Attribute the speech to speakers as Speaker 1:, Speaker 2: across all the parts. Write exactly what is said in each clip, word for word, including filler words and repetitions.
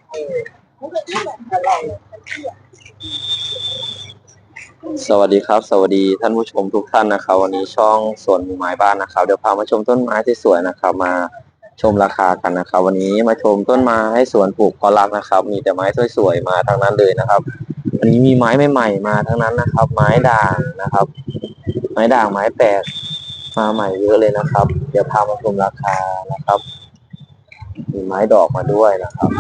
Speaker 1: สวัสดีครับสวัสดีท่านผู้ชมทุกท่านนะครับวันนี้ช่องสวนหมู่ไม้บ้านนะครับเดี๋ยวพามาชมต้นไม้ที่สวยนะครับมาชมราคากันนะครับวันนี้มาชมต้นไม้สวนปลูกเพาะรักนะครับมีแต่ไม้สวยๆมาทั้งนั้นเลยนะครับวันนี้มีไม้ใหม่ๆมาทั้งนั้นนะครับไม้ด่างนะครับไม้ด่างไม้แปลกมาใหม่เยอะเลยนะครับเดี๋ยวพามาชมราคานะครับมีไม้ดอกมาด้วยนะครับ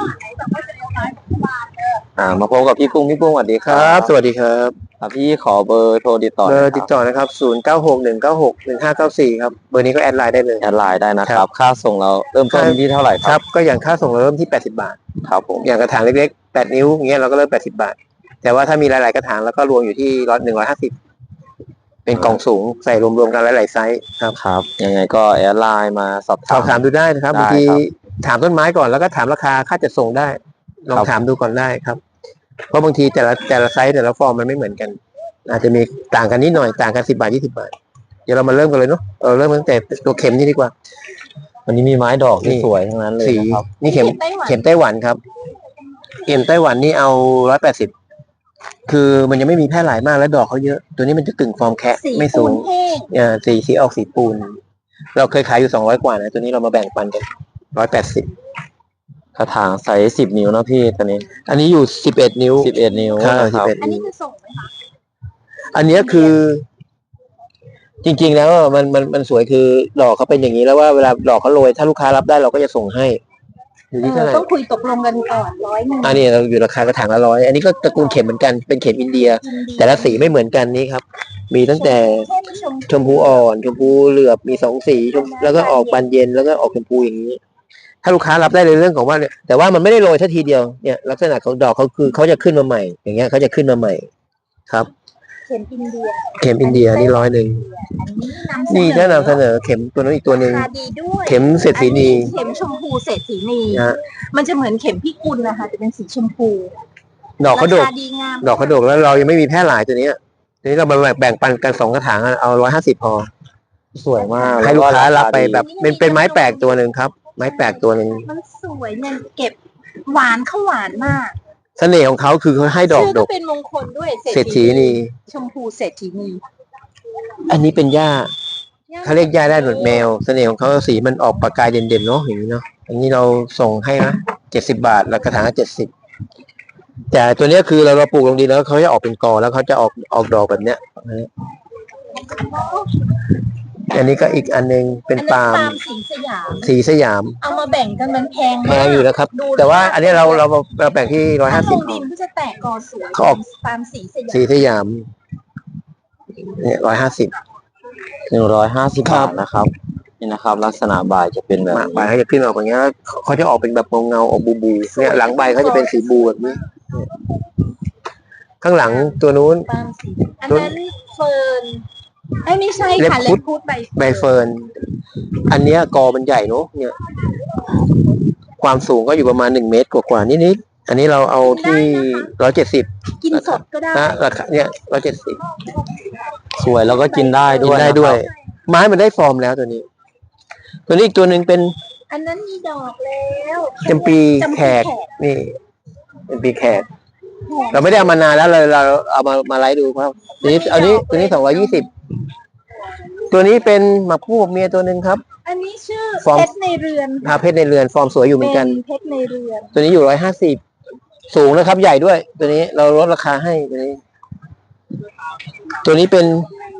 Speaker 1: อ่ามาพบกับพี่กุ้งพี่กุ้งสวัสดีค
Speaker 2: ค
Speaker 1: รั
Speaker 2: รับ บสวัสดีครับ
Speaker 1: ครับพี่ขอเบอร์โทรติดต่อ
Speaker 2: เบอร์ติดต่อนะครับศูนย์เก้าหกหนึ่งเก้าหกหนึ่งห้าเก้าสี่ครับเบอร์นี้ก็แอดไลน์ได้เลย
Speaker 1: แอดไลน์ได้นะค
Speaker 2: ครั
Speaker 1: รับบ ค่าส่งเราเริ่มต้นที่เท่าไหร่ค
Speaker 2: ครั
Speaker 1: รับบ
Speaker 2: ก็อย่างค่าส่งเราเริ่มที่แปดสิบบาท
Speaker 1: ครับผม
Speaker 2: อย่างกระถางเล็กๆแปดนิ้วอย่างเงี้ยเราก็เริ่มแปดสิบบาทแต่ว่าถ้ามีหลายๆกระถางแล้วก็รวมอยู่ที่ร้อยหนึ่งร้อยห้าสิบเป็นกล่องสูงใส่รวมๆกันหลายๆไซส์ครับ
Speaker 1: ครับยังไงก็แอดไลน์มาสอบ
Speaker 2: สอบถามดูได้นะครับ
Speaker 1: ได้
Speaker 2: บางที
Speaker 1: ครับ
Speaker 2: ถามต้นไม้ก่อนแล้วก็ถามราคาค่าจัดส่งได้ลอง
Speaker 1: ครับ
Speaker 2: ถามดูก่อนได้ครับเพราะบางทีแต่ละแต่ละไซส์แต่ละฟอร์มมันไม่เหมือนกัน อาจจะมีต่างกันนิดหน่อยต่างกันสิบบาทยี่สิบบาทเดี๋ยวเรามาเริ่มกันเลยเนาะเออเริ่มตั้งแต่ตัวเข็มนี่ดีกว่า
Speaker 1: วันนี้มีไม้ดอกที่
Speaker 2: นี่
Speaker 1: สวยทั้งนั้นเลย
Speaker 2: สี
Speaker 1: นะครับ
Speaker 2: นี่เข็มเข็มไต้หวันครับเข็มไต้หวันนี่เอาร้อยแปดสิบคือมันยังไม่มีแพร่หลายมากแล้วดอกเขาเยอะ ตัวนี้มันจะกึ่งฟอร์มแคะไม่สูงอ่าสีสีออกสีปูน เราเคยขายอยู่สองร้อยกว่านะตัวนี้เรามาแบ่งปันกันร้อยแปดสิบ
Speaker 1: กระถางไซส์สิบนิ้วนะพี่ตอนนี้
Speaker 2: อันนี้อยู่สิบเอ็ดนิ้ว
Speaker 1: สิบเอ็ดนิ้ว
Speaker 2: ครับ
Speaker 1: นะครับ
Speaker 2: สิบเอ็ด
Speaker 3: อันนี้คือส่งไหมคะ
Speaker 2: อันเนี้ยคือ จริง ๆ แล้วมันมันมันสวยคือดอกเขาเป็นอย่างนี้แล้วว่าเวลาดอกเขาโรยถ้าลูกค้ารับได้เราก็จะส่งให้อยู่ที่เท่าไหร่
Speaker 3: ต้องคุยตกลงกันก่อนร้อยหนึ่ง
Speaker 2: อันนี้เราอยู่ราคากระถางละร้อยอันนี้ก็ตระกูลเข็มเหมือนกันเป็นเข็มอินเดีย แต่ละสีไม่เหมือนกันนี้ครับ มีตั้งแต่ชมพูอ่อนชมพูเหลือบมีสองสีชมแล้วก็ออกบานเย็นแล้วก็ออกชมพูอย่างนี้ ถ้าลูกค้ารับได้ในเรื่องของว่าเนี่ยแต่ว่ามันไม่ได้โรยทันทีเดียวเนี่ยลักษณะของดอกเขาคือเขาจะขึ้นมาใหม่ อย่างเงี้ยเขาจะขึ้นมาใหม่ครับ
Speaker 3: เข็มอินเดีย
Speaker 2: เข็มอินเดียนี่ร้อยหนึ่ง
Speaker 3: อันนี้
Speaker 2: นี่ก็นำเสนอเข็มตัวนั้นอีกตัวหนึ่ง
Speaker 3: ราคาดีด้วย
Speaker 2: เข็มเศรษฐีนี
Speaker 3: เข็มชมพูเศรษฐีนี
Speaker 2: นะฮะ
Speaker 3: มันจะเหมือนเข็มพิกุลนะคะจะเป็นสีชมพู
Speaker 2: ดอกเขาดก
Speaker 3: ราคาดีงาม
Speaker 2: ดอกเขาดกแล้วเรายังไม่มีแพร่หลายตัวเนี้ยทีนี้เรามาแบ่งปันกันสองกระถางอะเอาร้อยห้าสิบพอ
Speaker 1: สวยมาก
Speaker 2: ให้ลูกค้ารับไป
Speaker 1: ดี
Speaker 2: แบบเป็นเป็นไม้แปลกตัวหนึ่งครับ ไม้แปลกตัวหนึ่ง
Speaker 3: มันสวยเนี่ยเก็บหวานเข้าหวานมาก
Speaker 2: เสน่ห์ของเขาคือเขาให้ดอก
Speaker 3: ชื่อ
Speaker 2: ด
Speaker 3: ก็
Speaker 2: ก
Speaker 3: เป็นมงคลด้วย
Speaker 2: เศรษฐีนี
Speaker 3: ชมพูเศรษฐีนี
Speaker 2: อันนี้เป็นหญ้าเขาเรียกหญ้าได้หนวดแมวเสน่ห์ของเขาสีมันออกประกายเด่นๆเนาะอย่างนี้เนาะอันนี้เราส่งให้นะเจ็ดสิบบาทแล้วกระถางเจ็ดสิบแต่ตัวเนี้ยคือเราเราปลูกลงดินแล้วเขาจะออกเป็นกอแล้วเขาจะออกออกดอกแบบเนี้ยอันนี้ก็อีกอันนึงเป็น
Speaker 3: อันนั้น
Speaker 2: ปาล์ม
Speaker 3: ปาล์มสีสยาม
Speaker 2: สีสยาม
Speaker 3: เอามาแบ่งกันมันแพง
Speaker 2: แพ
Speaker 3: มาก
Speaker 2: งอยู่นะครับ
Speaker 3: ดู
Speaker 2: แต่ว่าอันนี้เราเราเราแบ่งที่ร้อย
Speaker 3: ถ้า
Speaker 2: ห้า
Speaker 3: ล
Speaker 2: สิบ
Speaker 3: งดินก็จะแตกกอสวย
Speaker 2: เขาออก
Speaker 3: ตามสีสยาม
Speaker 2: สีสยามเนี่ยร้อยห้าสิบ
Speaker 1: หนึ่งร้อยห้าสิบ
Speaker 2: ครับ
Speaker 1: บาทนะครับนี่นะครับ ลักษณะใบจะเป็นแบบ
Speaker 2: หมากใบเขาจะขึ้นออกอย่างเงี้ยแล้วเขาจะออกเป็นแบบเงาๆออกบูบูเนี่ยหลังใบเขาจะเป็นสีบูแบบนี้เนี่ยข้างหลังตัวนู้น
Speaker 3: ปาล์มสีอันนั้นเฟิร์นไอ้ยไม่ใช่ค่ะ
Speaker 2: เล็
Speaker 3: เล็
Speaker 2: บบ คุ
Speaker 3: คุ
Speaker 2: ด
Speaker 3: ดใบ
Speaker 2: ใบเฟิร์นอันเนี้ยกอมันใหญ่เนอะเนี่ย ความสูงก็อยู่ประมาณหนึ่งเมตรกว่าๆนิดๆอันนี้เราเอาที่ร้อยเจ็ดสิบ
Speaker 3: กินสดก็ได้
Speaker 2: นะราคาเนี่ยร้อยเจ็ดสิบ
Speaker 1: สวยแล้วก็กินได้
Speaker 2: กิ
Speaker 1: ด้วย
Speaker 2: นได้
Speaker 1: นะครับ
Speaker 2: ด้วย ไม้มันได้ฟอร์มแล้วตัวนี้ ตัวนี้อีกตัวหนึ่งเป็น
Speaker 3: อันนั้นมีดอกแล้ว
Speaker 2: จำปี
Speaker 3: จำ
Speaker 2: แข
Speaker 3: ปี
Speaker 2: กนี่จำปีแขก เราไม่ได้เอามานานแล้วเลยเราเอามามาไลฟ์ดูครับตัวนี้อันนี้ตัวนี้สองร้อยยี่สิบตัวนี้เป็นหมากคู่กับเมียตัวหนึ่งครับ
Speaker 3: อันนี้ชื่อ
Speaker 2: ฟอร์ม
Speaker 3: เพชรในเรือน
Speaker 2: พาเพชรในเรือนฟอร์มสวยอยู่เหมือนกัน
Speaker 3: เป็นเพชรในเรือน
Speaker 2: ตัวนี้อยู่ร้อยห้าสิบสูงนะครับใหญ่ด้วย ตัวนี้เราลดราคาให้ตัวนี้ ตัวนี้เป็น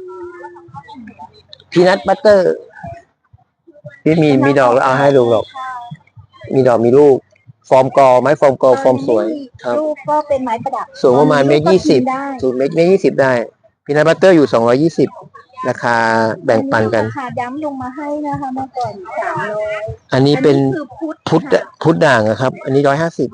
Speaker 2: พีนัทบัตเตอร์ที่มีมีดอกแล้วเอาให้ดูหรอก มีดอกมีลูก ฟอร์มกอไม้ฟอร์มกอฟอร์มสวยครับ
Speaker 3: ลูกก็เป็นไม้ประดับ
Speaker 2: สูงประมาณเมตรยี่สิบ
Speaker 3: ได้
Speaker 2: สูงเมตรยี่สิบได้พีนัทบัตเตอร์อยู่สองร้อยยี่สิบราคาแบ่งปันกัน
Speaker 3: ราคาย้ำลงมาให้นะคะเมื่อก่อนสามร้อย
Speaker 2: อันนี้เป็น
Speaker 3: คือพุทธ
Speaker 2: พุทธพุทธด่างอะครับ อันนี้ร้อยห้าสิบ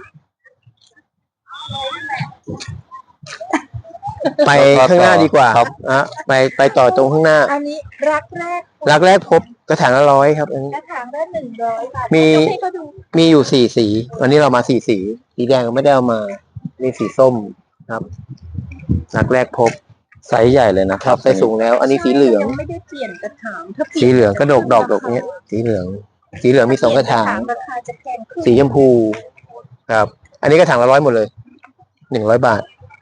Speaker 2: ไปข้างหน้าดีกว่า
Speaker 1: ครับ
Speaker 2: อ่ะไปไปต่อตรงข้างหน้า
Speaker 3: อันนี้รักแรก
Speaker 2: รักแรกพบกระถางละร้อยครับอันนี้
Speaker 3: กระถางละหนึ่งร้อยบาท
Speaker 2: มี
Speaker 3: ยกให้เขาดู
Speaker 2: มีอยู่สี่สีวันนี้เรามาสี่สีสีแดงไม่ได้เอามามีสีส้มครับรักแรกพบ
Speaker 1: ไซส์ใหญ่เลยนะค
Speaker 2: ค
Speaker 1: รั
Speaker 2: รั
Speaker 1: บบ
Speaker 2: ไซส์สูงแล้ว อันนี้สีเหลือง
Speaker 3: ยังไม่ได้เปลี่ยนกระถางถ้าเปลี่ยน
Speaker 2: สีเหลืองก็ดกดอกดกเนี้ยสีเหลือง สีเหลืองมีสองกระถาง
Speaker 3: ราคาจะแพงขึ้น
Speaker 2: สีชมพูครับอันนี้กระถางละร้อยหมดเลยหนึ่งร้อยบาท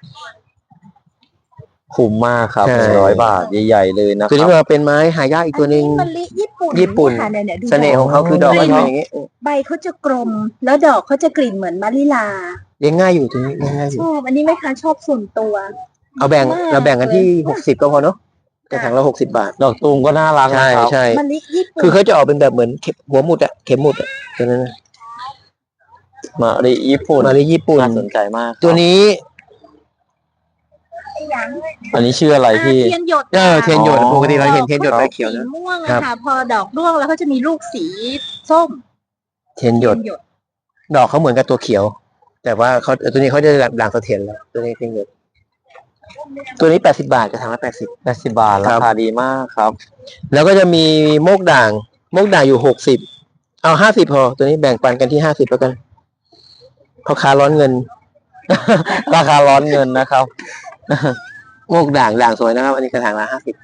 Speaker 1: คุ้มมากครับ
Speaker 2: ใช่
Speaker 1: หนึ่งร้อยบาทใหญ่ๆเลยนะค
Speaker 2: ตัวนี้
Speaker 1: รับ
Speaker 2: มันเป็นไม้หายากอีกตัวหนึ่ง
Speaker 3: อันนี้มะลิญี่ปุ่น
Speaker 2: ญี่ปุ่น
Speaker 3: ค่ะเนี่ยเนี่ยดู
Speaker 2: เสน่ห์ของเขาคือดอก
Speaker 1: อ๋อ
Speaker 2: มันเป็นอย่างนี้
Speaker 3: ใบเขาจะกลม แล้วดอกเขาจะกลิ่นเหมือนมะลิลา
Speaker 2: เลี้ยงง่ายอยู่ตัวนี้เลี้ยงง่ายอ
Speaker 3: ช
Speaker 2: ยู่
Speaker 3: อบอันนี้แม่ค้าชอบส่วนตัว
Speaker 2: เอาแบ่ง
Speaker 3: มาก
Speaker 2: เราแบ่งกันที่
Speaker 3: เลย
Speaker 2: หกสิบก็พอเนาะกระถางละหกสิบบาท
Speaker 1: ดอกตูมก็น่ารัก
Speaker 2: ใช่
Speaker 1: นะครับ
Speaker 2: ใช่
Speaker 3: มะลิญี่ปุ่น
Speaker 2: คือเขาจะออกเป็นแบบเหมือนเข็มหัวหมุดอะเข็มหมุดอะตัวนั้นนะ
Speaker 1: มะลิญี่ปุ่น
Speaker 2: มาเลยญี่ปุ่น
Speaker 1: น่าสนใจมากครับ
Speaker 2: ตัวนี้
Speaker 1: อันนี้ชื่ออะไรพี่
Speaker 3: เทียนหยด
Speaker 2: เออเทียนหยด
Speaker 1: อ๋อ
Speaker 2: ปกติเราเห็นเทียนหยดใบเขียว
Speaker 3: สี
Speaker 2: นะ
Speaker 3: ม่วง
Speaker 2: ครั
Speaker 3: อะ
Speaker 2: บ
Speaker 3: ค่ะ พอดอกร่วงแล้วก็จะมีลูกสีส้ม
Speaker 2: เทียนหยด
Speaker 3: หยด
Speaker 2: ดอกเขาเหมือนกับตัวเขียว แต่ว่าเขาตัวนี้เขาจะด่างเสถียรแล้วตัวนี้เทียนหยดตัวนี้แปดสิบาทกระถางละแปดสิบ
Speaker 1: แปดสิบบาท
Speaker 2: ครั
Speaker 1: รา
Speaker 2: บ
Speaker 1: คาดีมากครับ
Speaker 2: แล้วก็จะมีโมกด่างโมกด่างอยู่หกสิบเอาห้าสิบพอ ตัวนี้แบ่งปันกันที่ห้าสิบแล้วกันพ่อค้าร้อนเงิน
Speaker 1: ราคาร้อนเงินนะครับ
Speaker 2: โมกด่างด่างสวยนะครับ อันนี้กระถางละห้าสิบ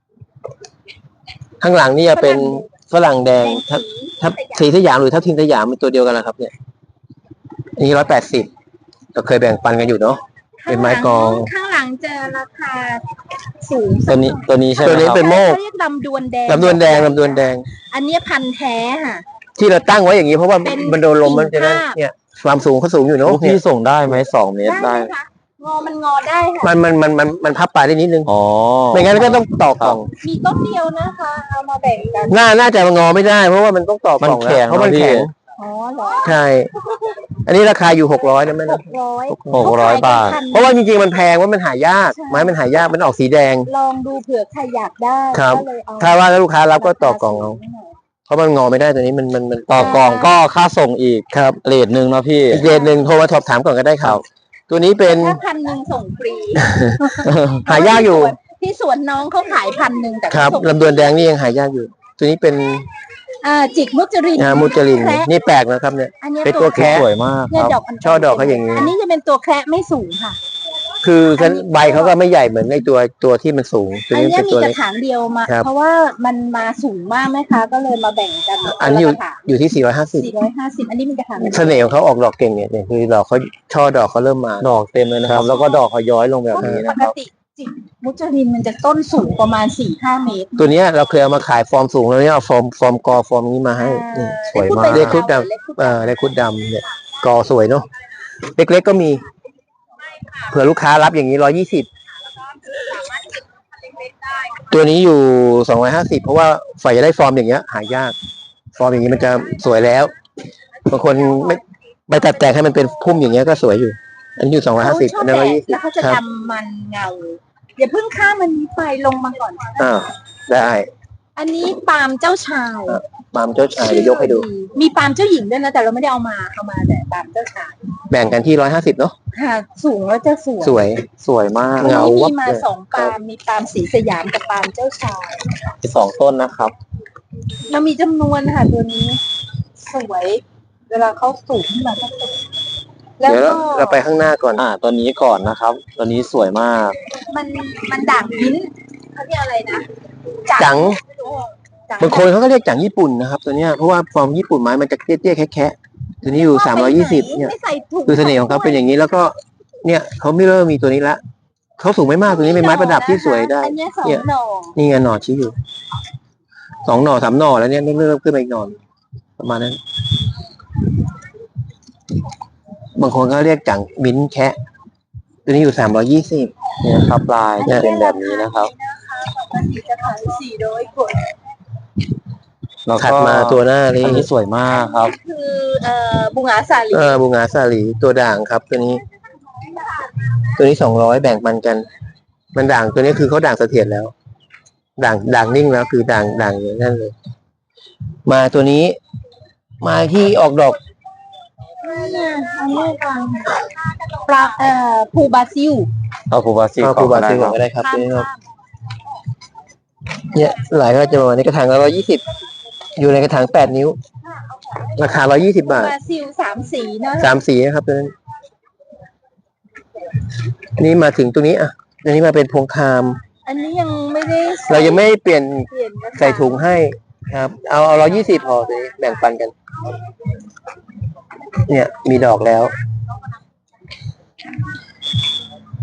Speaker 2: ข้างหลังนี่จะเป็นฝรั่งแดงทับทับสีสยามหรือทับทิมสยามเป็นตัวเดียวกันนะครับ เนี่ยอันนี้ร้อยแปดสิบเราเคยแบ่งปันกันอยู่เนาะ เป็นไม้กอง
Speaker 3: ข้างหลังจะราคาสูง
Speaker 1: ตัวนี้ตัวนี้ใช่ไหม
Speaker 2: ตัวนี้
Speaker 1: ครับ
Speaker 2: เป็นโมก
Speaker 3: เขาเรียกลำดวนแดง
Speaker 2: ลำดวนแดงลำดวนแดง
Speaker 3: อันเนี้ยพันธุ์แท้ค่ะ
Speaker 2: ที่เราตั้งไว้อย่างนี้เพราะว่า
Speaker 3: เป็น
Speaker 2: มันโดนลมมันจะนั่น
Speaker 3: กิ่งทาบ
Speaker 2: เนี่ยความสูงเขาสูงอยู่เนาะ
Speaker 1: โอ้พี่ส่งได้ไหมสองเมตร
Speaker 3: ได้
Speaker 1: ได้
Speaker 3: ไหมคะงอมันงอได้ค่ะ
Speaker 2: มันมันมันมันมันพับปลายได้นิดนึง
Speaker 1: อ๋อ
Speaker 2: ไม่งั้นก็ต้องต่อกล่อง
Speaker 3: มีต้นเดียวนะคะ เอามาแบ่งกัน
Speaker 2: หน้าน่าจะงอไม่ได้ เพราะว่ามันต้องต่อกล่อง
Speaker 1: มันแข็
Speaker 2: แล้ว
Speaker 1: ง
Speaker 2: เพราะมัน
Speaker 1: เนอะพี่
Speaker 2: แข็ง
Speaker 3: อ๋อเหรอ
Speaker 2: ใช่ อันนี้ราคาอยู่หกร้อยนะแม่
Speaker 3: ห
Speaker 2: นะ
Speaker 3: กร้อย
Speaker 1: หกร้อยบาท
Speaker 2: เพราะว่าจริงๆมันแพงว่ามันหายากไม้มันหายากมันออกสีแดง
Speaker 3: ลองดูเผื่อใครอยากได้
Speaker 2: ครับ
Speaker 3: ก็เลยเอา
Speaker 2: ถ้าว่าแล้วลูกค้ารับก็ต่อกล่องเอาเพราะมันงอไม่ได้ตัวนี้มันมันมัน
Speaker 1: ต่อกล่องก็ค่าส่งอีก
Speaker 2: ครับ
Speaker 1: เรทหนึ่งเนาะพี่
Speaker 2: อีกเรทหนึ่งโทรมาสอบถามก่อนก็ได้ครับ ตัวนี้เป็น
Speaker 3: ถ้าพันหนึ่งส่งฟรี
Speaker 2: หายากอยู่
Speaker 3: ที่สวนน้องเขาขายพันหนึ่งแต่
Speaker 2: ครับ
Speaker 3: เขาส่ง
Speaker 2: ลำดวนแดงนี่ยังหายากอยู่ ตัวนี้เป็น
Speaker 3: อ่าจิกมุจริน
Speaker 2: อ่ามูจลิน
Speaker 3: แคระ
Speaker 2: นี่แปลกนะครับเนี่ย
Speaker 3: อันนี้ย
Speaker 2: เป็นตัวแคระ
Speaker 1: สวยมาก
Speaker 3: เนี่ย
Speaker 1: ครับ
Speaker 3: ดอกน
Speaker 2: ช่อดอกเขาอย่างนี้
Speaker 3: อันนี้จะเป็นตัวแคระไม่สูงค่ะ
Speaker 2: คือใบเขาก็ไม่ใหญ่เหมือนในตัวตัวที่มันสูง ตัว
Speaker 3: อัน
Speaker 2: นี้
Speaker 3: เนี้ย
Speaker 2: เป็น
Speaker 3: มี
Speaker 2: ตัว
Speaker 3: ก
Speaker 2: เล็
Speaker 3: ระ
Speaker 2: ก
Speaker 3: ถางเดียวมา
Speaker 2: ครับ
Speaker 3: เพราะว่ามันมาสูงมากไหมคะก็เลยมาแบ่งกัน
Speaker 2: อันนี้อยู่
Speaker 3: กระถาง
Speaker 2: อยู่ที่สี่ร้อยห้าสิบ
Speaker 3: สี่ร้อยห้าสิบอันนี้เป็นกระถาง
Speaker 2: เสน่ห์ของเขาออกดอกเก่งเนี่ยเนี่ยคือดอกเขาช่อดอกเขาเริ่มมา
Speaker 1: ดอกเต็มเลยนะค
Speaker 2: ครั
Speaker 1: รับ
Speaker 2: บ
Speaker 1: แล้วก็ดอกเขาย้อยลงแบบนี้
Speaker 3: ป
Speaker 1: นะ
Speaker 3: ก
Speaker 1: ครับ
Speaker 3: ติจิกมุจรินมันจะต้นสูงประมาณสี่ห้าเมตร
Speaker 2: ตัวเนี้ยเราเคยเอามาขายฟอร์มสูงแล้วเนี่ยเอาฟอร์มฟอร์มกอฟอร์มนี้มาให้นี่
Speaker 1: สวยมาก
Speaker 2: เลขคุดดำเอ่อเลขคุดดำเนี่ยกอสวยเนาะเล็กๆก็มีเผื่อลูกค้ารับอย่างนี้ร้อยยี่สิบตัวนี้อยู่สองร้อยห้าสิบเพราะว่าฝ่ายจะได้ฟอร์มอย่างเงี้ย หายาก ฟอร์มอย่างนี้มันจะสวยแล้วบางคนไม่ไปตัดแต่งให้มันเป็นพุ่มอย่างเงี้ยก็สวยอยู่ อันนี้อยู่สองร้อยห้าสิบ
Speaker 3: เขาช
Speaker 2: อั
Speaker 3: อน บ
Speaker 2: นั้น
Speaker 3: แด
Speaker 2: ร้อย
Speaker 3: ด
Speaker 2: ยี่สิบ
Speaker 3: แล้วเขาจะ
Speaker 2: ครับ
Speaker 3: ดำมันเงาอย่าเพิ่งข้ามมันนี้ไปลงมาก่อน
Speaker 2: อ่าได้
Speaker 3: อันนี้ปาล์มเจ้าชาย
Speaker 2: ปาล์มเจ้าชายเดี๋ยวยกให้ดู
Speaker 3: มีปาล์มเจ้าหญิงด้วยนะแต่เราไม่ได้เอามาเอามาแต่ปาล์มเจ้าชาย
Speaker 2: แบ่งกันที่ร้อยห้าสิบเนาะ
Speaker 3: ค่ะสูงแล้วจะสวย
Speaker 2: สวย
Speaker 1: สวยมาก
Speaker 3: วัน
Speaker 2: เงา
Speaker 3: นี้
Speaker 2: วั
Speaker 3: มี
Speaker 2: บ
Speaker 3: มา
Speaker 2: เลย
Speaker 3: สองปาล์มมีปาล์มสีสยามกับปาล์มเจ้าชาย
Speaker 1: มีสองต้นนะครับ
Speaker 3: เรามีจำนวนค่ะตัวนี้ สวย เวลาเขาสูงขึ้นมาก็สวยแล้ว
Speaker 2: เดี๋ยว
Speaker 3: ก็
Speaker 2: เราเราไปข้างหน้าก่อน
Speaker 1: อ่าตัวนี้ก่อนนะครับ ตัวนี้สวยมาก
Speaker 3: มันมันด่างมิ้นท์เขาเรียกอะไรนะ
Speaker 2: จัง
Speaker 3: จัง
Speaker 2: บางคนเขาก็เรียกจังญี่ปุ่นนะครับ ตัวเนี้ยเพราะว่าฟอร์มญี่ปุ่นไม้มันจะเตี้ยๆแคะๆตัวนี้อยู่สามร้อยยี่สิบเนี่ย
Speaker 3: ไม่ใส่ถุง
Speaker 2: คือเสน่ห์ของเขาเป็นอย่างนี้แล้วก็ เนี่ยเขาไม่เริ่มมีตัวนี้ละเขาสูงไม่มากตัวนี้เป็นไม้ประดับที่สวยได้
Speaker 3: อันเนี้ยสอง
Speaker 2: เนี่ย
Speaker 3: หน่อ
Speaker 2: นี่ไงหน่อชี้อยู่สองหน่อสามหน่อแล้วเนี่ยเริ่มขึ้นมาอีกหน่อประมาณนั้น บางคนก็เรียกจังมิ้นท์แคะตัวนี้อยู่สามร้อยยี่สิบ
Speaker 1: เนี่ยครับลายจะเป็นแบบนี้นะครับ
Speaker 3: ปกติจะขายสี่ร้อยกว่า
Speaker 1: แล้วก็
Speaker 2: ถัดมาตัวหน้านี้
Speaker 1: อันนี้สวยมากครับ
Speaker 3: คือเอ่อบุงอาสาลี
Speaker 2: เออบูงาสาลีตัวด่างครับ ตัวนี้ ตัวนี้สองร้อยแบ่งปันกัน มันด่างตัวนี้คือเขาด่างเสถียรแล้ว ด่างด่างนิ่งแล้วคือด่างด่างอย่างนั้นเลย มาตัวนี้ มาที่ออกดอก
Speaker 3: เนี่ยอันนี้ฟังปลาเอ่อภูบาซิล
Speaker 1: เอาคูบาซิ
Speaker 2: เอา
Speaker 1: ก่
Speaker 2: คู
Speaker 1: อน
Speaker 2: บา
Speaker 1: ก็ได้
Speaker 2: ซิล
Speaker 1: ค
Speaker 2: ก่อ
Speaker 1: รับ
Speaker 2: นก็ได้ครับ
Speaker 3: ข้า
Speaker 2: ตัว
Speaker 3: ม
Speaker 2: นี้ครับ
Speaker 3: ข้าม
Speaker 2: เนี่ยหลายก็จะประมาณในกระถางละร้อยยี่สิบอยู่ในกระถางแปดนิ้ว ราคาร้อยยี่สิบ
Speaker 3: ภู
Speaker 2: บาท
Speaker 3: บาซิลสามสีนะ
Speaker 2: สามสีนะครับตัวนั้นนี่มาถึงตัวนี้อ่ะอันนี้มาเป็นพวงคาม
Speaker 3: อันนี้ยังไม่ได้ใส่
Speaker 2: เรายังไม่เปลี่ยน
Speaker 3: เปลี่ยนกระถาง
Speaker 2: ใส่ถุงให้ครับ เอาเอาร้อยยี่สิบพอตัวนี้แบ่งปันกัน เนี่ย มีดอกแล้ว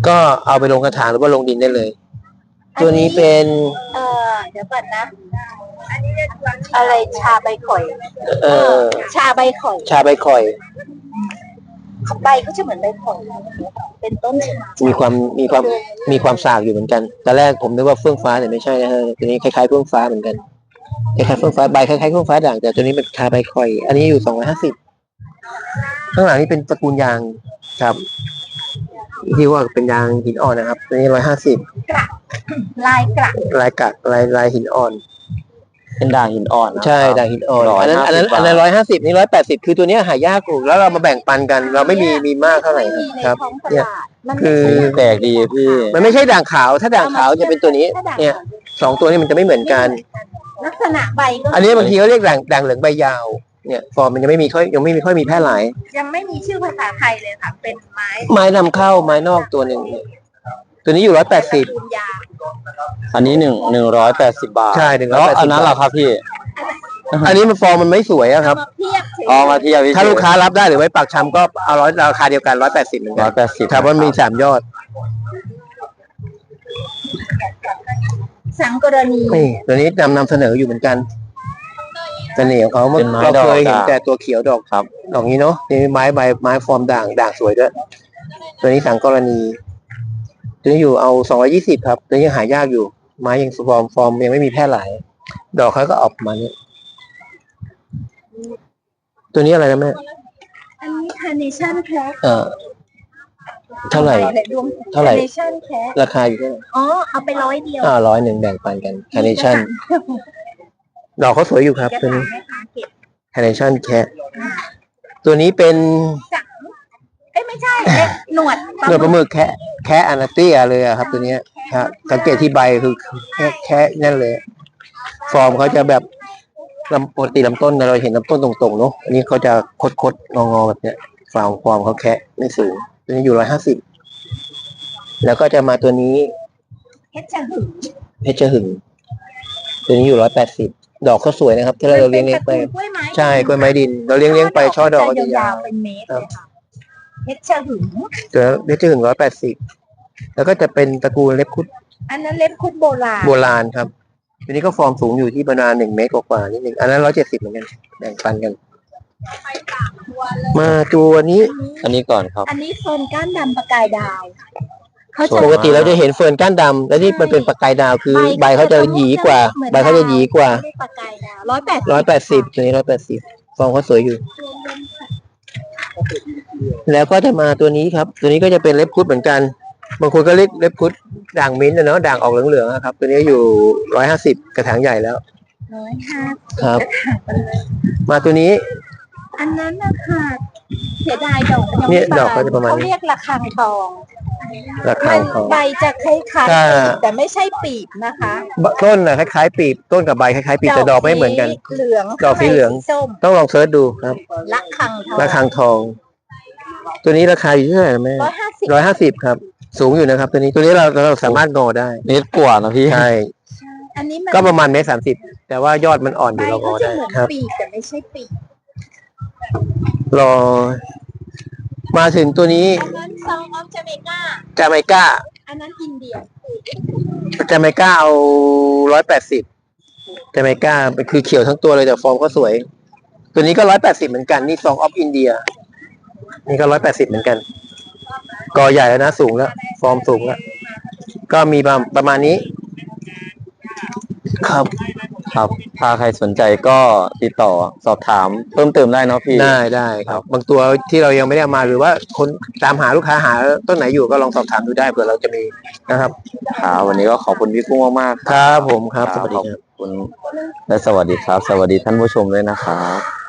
Speaker 2: ก็เอาไปลงกระถางหรือว่าลงดินได้เลย ตัวนี้เป็น
Speaker 3: เออเดี๋ยวก่อนนะ อะไรชาใบข่อย
Speaker 2: เอ่อ
Speaker 3: ชาใบข่อย
Speaker 2: ชาใบข่อย
Speaker 3: ใบก็จะเหมือนใบข่อยเป็นต้นชา
Speaker 2: มีความมีความมีความสากอยู่เหมือนกันตอนแรกผมนึกว่าเฟื่องฟ้าแต่ไม่ใช่นะฮะตัวนี้คล้ายๆเฟื่องฟ้าเหมือนกันคล้ายๆเฟื่องฟ้าใบคล้ายๆเฟื่องฟ้าด่างแต่ตัวนี้เป็นชาใบข่อย อันนี้อยู่สองร้อยห้าสิบข้างหลังนี่เป็นตระกูลยางครับที่ว่าเป็นยางหินอ่อนนะครับตัวนี้ร้อยห้าสิบ
Speaker 3: ลายกระ
Speaker 2: ลายกักลายลายหินอ่อน
Speaker 1: เป็นด่างหินอ่อนนะครับ
Speaker 2: ใช่ด่างหินอ่อน
Speaker 1: ร้อย
Speaker 2: อันนั้น
Speaker 1: ห้า
Speaker 2: อัน
Speaker 1: สิ
Speaker 2: นั้
Speaker 1: บ
Speaker 2: นอันนั้น
Speaker 1: บาท
Speaker 2: ร้อยห้าสิบนี่ร้อยแปดสิบคือตัวเนี้ยหายากอยู่แล้วเรามาแบ่งปันกัน เราไม่มีมีมากเท่าไหร่
Speaker 3: ไม่มีใน
Speaker 2: ครับ
Speaker 3: ท้องต
Speaker 2: เนี่ย
Speaker 3: ลาดมัน
Speaker 2: คือ
Speaker 3: ไม่ใช่
Speaker 1: แปลกดีพี่
Speaker 2: มันไม่ใช่ด่างขาวถ้าด่างขาวจะเป็นตัวนี้
Speaker 3: ถ้าด่าง
Speaker 2: เนี่ยสองตัวนี้มันจะไม่เหมือนกัน
Speaker 3: ลักษณะใบก็
Speaker 2: อันนี้บางทีเขาเรียกด่างด่างเหลืองใบยาวเนี่ยฟอร์มมันยังไม่มีค่อยยังไม่มีค่อยมีแพร่หลาย
Speaker 3: ยังไม่มีชื่อภาษาไทยเลยค่ะ เป็นไม้
Speaker 2: ไม้นำเข้าไม้นอกตัวหนึ่งตัวนี้อยู่ร้อยแปดสิบ
Speaker 3: ปูนยาง
Speaker 1: อันนี้หนึ่งหนึ่งร้อยแปดสิบบาท
Speaker 2: ใช่หนึ่งร้
Speaker 1: แล้
Speaker 2: อยว แปดสิบ
Speaker 1: อันนั้นเหรอครับพี่
Speaker 2: อันนี้มันฟอร์มมันไม่สวยอะครับ
Speaker 3: มาเทียบเฉย
Speaker 1: เอามาเทียบ
Speaker 2: ถ้าลูกค้ารับได้หรือไว้ปากชำก็เอาร้อยราคาเดียวกันร้อยแปดสิบเหมือน
Speaker 1: ร้
Speaker 2: กั
Speaker 1: อน ยแปดสิบ
Speaker 2: ครับว่ามีสามยอด
Speaker 3: สังกรณี
Speaker 2: นี่ตัวนี้นำนำเสนออยู่เหมือนกันเสน่ห์ของเขาเมื่อ
Speaker 1: เป็นไม้
Speaker 2: เรา
Speaker 1: ดอก
Speaker 2: เคยเห็น
Speaker 1: ด่าง
Speaker 2: แต่ตัวเขียวดอก
Speaker 1: ครับ
Speaker 2: ดอกนี้เนาะนี่ไม้ใบไม้ฟอร์มด่างด่างสวยด้วยตัวนี้สังกรณี ตัวนี้อยู่เอาสองร้อยี่สิบครับ ตัวนี้ยังหายากอยู่ ไม้ยังฟอร์มฟอร์มยังไม่มีแพร่หลาย ดอกเขาก็ออกมาเนี่ยตัวนี้อะไรนะแม่
Speaker 3: อันนี้ Carnation Cat
Speaker 2: เออเท่าไหร่ เท่าไหร่
Speaker 3: Carnation Cat
Speaker 2: ราคาอยู่เท่าไหร่
Speaker 3: อ๋อ เอาไปร้อยเดียว
Speaker 2: อ่าร้อยหนึ่งแบ่งปันกัน Carnation ดอกเขาสวยอยู่ครับ
Speaker 3: จะ
Speaker 2: ตัว
Speaker 3: ถาม
Speaker 2: นี้
Speaker 3: แม่ค้าเก็บ
Speaker 2: Carnation Cat ตัวนี้เป็น
Speaker 3: จังเอ้ยไม่ใช่เอ๊ะหนวด
Speaker 2: หนวดปลาหมึกแค่แค่อนาเตียเลยอะครับ ตัวเนี้ยครับสังเกตที่ใบคือแค่แค่นั่นเลย ฟอร์มเขาจะแบบลำปกติลำต้นเราเห็นลำต้นตรงๆเนาะอันนี้เขาจะคดๆงอๆแบบเนี้ยฟอร์มฟอร์มเขาแค่ไม่สูงตัวนี้อยู่ร้อยห้าสิบแล้วก็จะมาตัวนี้
Speaker 3: เพชรหึง
Speaker 2: เพชรหึงตัวนี้อยู่ร้อยแปดสิบดอกเขาสวยนะครับที่เราเลี้ยงเลี้ยงไป
Speaker 3: กล้วยไม้
Speaker 2: ใช่กล้วยไม้ดิน เราเลี้ยงเลี้ยงไปช่อดอกก็จะยาว
Speaker 3: เป็นเมตรเลยค่ะเพชรหึง
Speaker 2: ตัวเพชรหึงร้อยแปดสิบแล้วก็จะเป็นตระกูลเล็บคุด
Speaker 3: อันนั้นเล็บคุดโบราณ
Speaker 2: โบราณครับตัวนี้ก็ฟอร์มสูงอยู่ที่ประมาณหนึ่งเมตรกว่าๆนิดนึงอันนั้นร้อยเจ็ดสิบเหมือนกันแบ่งปันกัน มาตัวนี้
Speaker 1: อันนี้ก่อนครับ
Speaker 3: อันนี้เฟิร์นก้านดำประกายดาวเขา
Speaker 1: ส
Speaker 3: จะ
Speaker 1: วย
Speaker 2: ปกติเราจะเห็นเฟิร์นก้านดำแล้วนี่มันเป็นประกายดาวคือใบเขาจะหยีกว่า ใบเขาจะหยีกว่า
Speaker 3: ไม่ได้ประกายดาวร้อยแปด
Speaker 2: ร้อยแปดสิบตัวนี้ร้อยแปดสิบฟอร์มเขาสวยอยู่ แล้วก็จะมาตัวนี้ครับ ตัวนี้ก็จะเป็นเล็บคุดเหมือนกัน บางคนก็เรียกเล็บคุดด่างมิ้นท์นะเนาะด่างออกเหลืองๆนะครับ ตัวนี้อยู่ร้อยห้าสิบกระถางใหญ่แล้ว
Speaker 3: ร้อยห้า
Speaker 2: ครับ มาตัวนี้
Speaker 3: อันนั้นนะคะเสียดายดอกมันยัง
Speaker 2: เนี่ย
Speaker 3: ไม่บาน
Speaker 2: ดอกก็จะประมาณนี้
Speaker 3: เขาเรียกระฆังทอง
Speaker 2: ราคา
Speaker 3: มัน
Speaker 2: ของ
Speaker 3: ใบจะคล้าย
Speaker 2: ถ้า
Speaker 3: ๆแต่ไม่ใช่ปีบนะคะ
Speaker 2: ต้นนะคล้ายๆปีบต้นกับใบคล้ายๆปีบแต่ดอกไม่เหมือนกัน
Speaker 3: สีเหลือง
Speaker 2: ดอกสีเหลือง
Speaker 3: ข้าในส้ม
Speaker 2: ต้องลองเซิร์ชดูครับ
Speaker 3: ระฆังทอง
Speaker 2: ระฆังทอง ตัวนี้ราคาอยู่ที่เท่าไหร่นะแม่
Speaker 3: ร้อยห้าสิบ
Speaker 2: ร้อยห้าสิบครับ สูงอยู่นะครับ ตัวนี้ตัวนี้เราเราสามารถงอได้
Speaker 1: เมตรกว่านะพี่
Speaker 2: ใช่
Speaker 3: อันนี้มัน
Speaker 2: ก็ประมาณเมตรสามสิบแต่ว่ายอดมันอ่อนอ
Speaker 3: ใบ
Speaker 2: ยู่เราง
Speaker 3: ก็
Speaker 2: อ
Speaker 3: จะ
Speaker 2: ได้
Speaker 3: เหมือน
Speaker 2: ครับ
Speaker 3: ปีบแต่ไม่ใช่ปีบ
Speaker 2: รอ มาถึงตัวนี้
Speaker 3: อันนั้นซองออฟจาเมกา
Speaker 2: จาเมกา
Speaker 3: อันนั้นอินเดีย
Speaker 2: จาเมกาเอาร้อยแปดสิบจาเมกาเป็นคือเขียวทั้งตัวเลยแต่ฟอร์มก็สวย ตัวนี้ก็ร้อยแปดสิบเหมือนกันนี่ซองออฟอินเดียนี่ก็ร้อยแปดสิบเหมือนกันกอใหญ่แล้วนะสูงแล้ว ฟอร์มสูงแล้ว ก็มีประประมาณนี้ ครับ
Speaker 1: ครับ ถ้าใครสนใจก็ติดต่อสอบถามเพิ่มเติมได้เนาะพี่
Speaker 2: ได้ได้ครับ บางตัวที่เรายังไม่ได้เอามาหรือว่าคนตามหาลูกค้าหาต้นไหนอยู่ก็ลองสอบถามดูได้เผื่อเราจะมีนะครับ
Speaker 1: ครับวันนี้ก็ขอบคุณพี่กุ้งมากๆ
Speaker 2: ครับผมครับสวัสดี
Speaker 1: ขอบ
Speaker 2: ครับ
Speaker 1: คุณและสวัสดีครับ สวัสดีท่านผู้ชมด้วยนะครับ